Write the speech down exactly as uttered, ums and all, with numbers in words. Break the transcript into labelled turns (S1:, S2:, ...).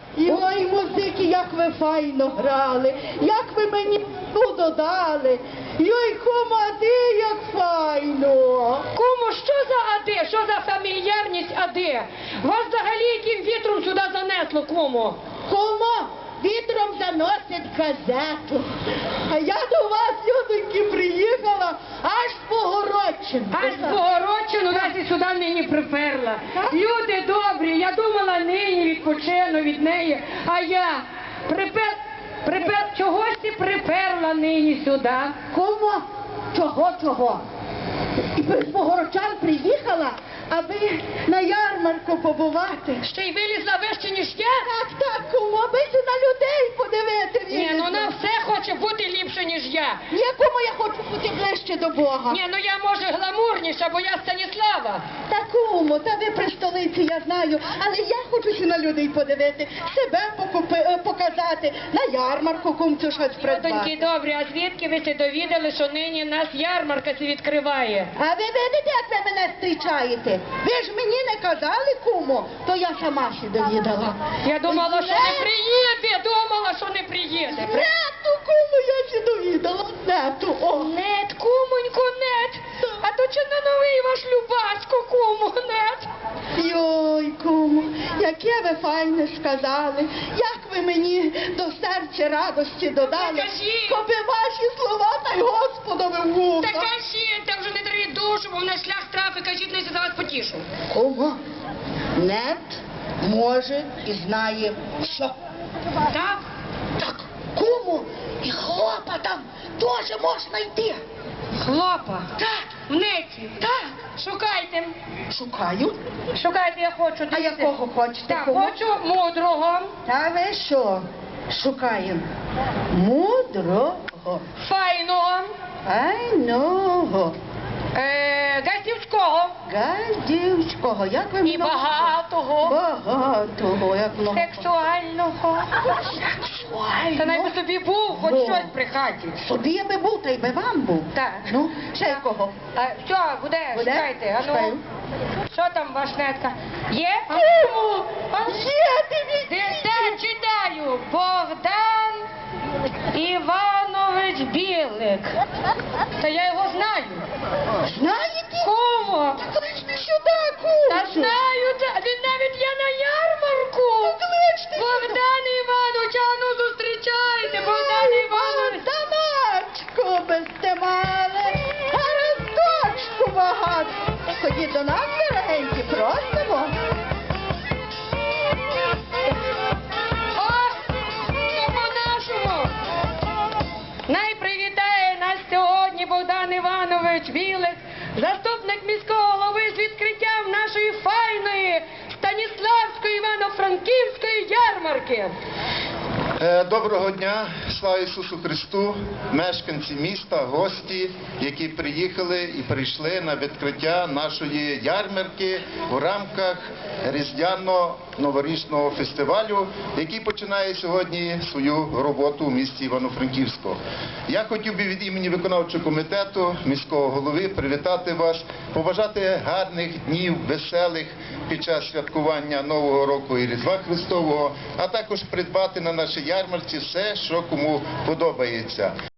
S1: І ой, музики, як ви файно грали, як ви мені ту додали. Йой, кума, а ти як файно.
S2: Кому, що за ади? Що за фамільярність ади? Вас взагалі яким вітром сюди занесло, кому?
S1: Кума, вітром заносить газету. А я до вас, людоньки, приїхала аж з Богородчини.
S2: Аж з Богородчину нас і сюди нині приперла. Люди добрі, я думала, нині відпочину від неї, а я припер... припер... чогось ти приперла нині сюди.
S1: Кума, чого, чого? І з Богородчан приїхала, аби на ярмарку побувати.
S2: Ще й вилізла вище, ніж я?
S1: Так, так, кума, аби се на людей подивити.
S2: Ні, ну вона все хоче бути ліпше, ніж я.
S1: Ні, кума, я хочу бути ближче до Бога.
S2: Ні, ну я, може, гламурніша, бо я Станіслава.
S1: Та, кумо, та ви при столиці, я знаю, але я хочу ще на людей подивити, себе покупи, е, показати, на ярмарку кумцю щось придбати.
S2: Доньки добрі, а звідки ви се довідали, що нині нас ярмарка се відкриває?
S1: А ви видите, як ви мене зустрічаєте? Ви ж мені не казали, кумо, то я сама ще довідала.
S2: Я думала, що не
S1: Не-
S2: приїде, думала, що не приїде.
S1: Нету, кумо, я ще довідала. Нету, о.
S2: Нет, кумонько, нет. А то чи не новий ваш Любасько, кумо, нет?
S1: Йой, кумо, яке ви файне сказали, як ви мені до серця радості додали,
S2: Та кажіть.
S1: коби ваші слова та й Господові в вуха.
S2: Та кажіть, та вже не даріть душу, бо мене шлях трафи, кажіть, не за вас потішу.
S1: Кумо, нет може і знає що.
S2: Так?
S1: Так, кумо, і хлопа там теж можна йти.
S2: Хлопа.
S1: Так,
S2: В неці.
S1: так,
S2: Шукайте.
S1: шукаю.
S2: Шукайте, я хочу.
S1: А
S2: дивіться.
S1: якого хочете,
S2: Так,
S1: кумо?
S2: хочу мудрого,
S1: Та ви що? Шукаємо мудрого,
S2: файного,
S1: файного,
S2: е, газівського
S1: гадівського, як ви
S2: і
S1: мене-
S2: багатого,
S1: Багатого, як много.
S2: сексуального.
S1: Сексуального.
S2: Та най би собі був хоч
S1: Во.
S2: щось при хаті.
S1: Собі я би був, та й би вам був.
S2: Так.
S1: Ну, ще якого?
S2: А, все, буде,
S1: Буде?
S2: шукайте. А ну,
S1: Шукаю.
S2: що там ваш нетка? Є?
S1: Кому?
S2: А?
S1: Є, дивіться.
S2: Де, де читаю? Богдан Іванович Білик. Та я його знаю.
S1: Знаєте?
S2: Кому?
S1: Кличте сюди, кумцю.
S2: Та знаю, та він навіть є на ярмарку.
S1: Кличте сюди.
S2: Богдан Іванович, а ну зустрічайте, Богдан Іванович.
S1: Богданочку без темали, гаразд багато. Ходіть до нас, дорогенькі, просимо.
S2: О, то по-нашому. Най привітає нас сьогодні Богдан Іванович Білик, заступник міського голови з відкриттям нашої файної Станіславської Івано-Франківської ярмарки.
S3: Е, Доброго дня, слава Ісусу Христу, мешканці міста, гості, які приїхали і прийшли на відкриття нашої ярмарки у рамках Різдвяно-новорічного фестивалю, який починає сьогодні свою роботу у місті Івано-Франківську. Я хотів би від імені виконавчого комітету міського голови привітати вас, побажати гарних днів, веселих під час святкування Нового року і Різдва Христового, а також придбати на нашій ярмарці все, що кому подобається.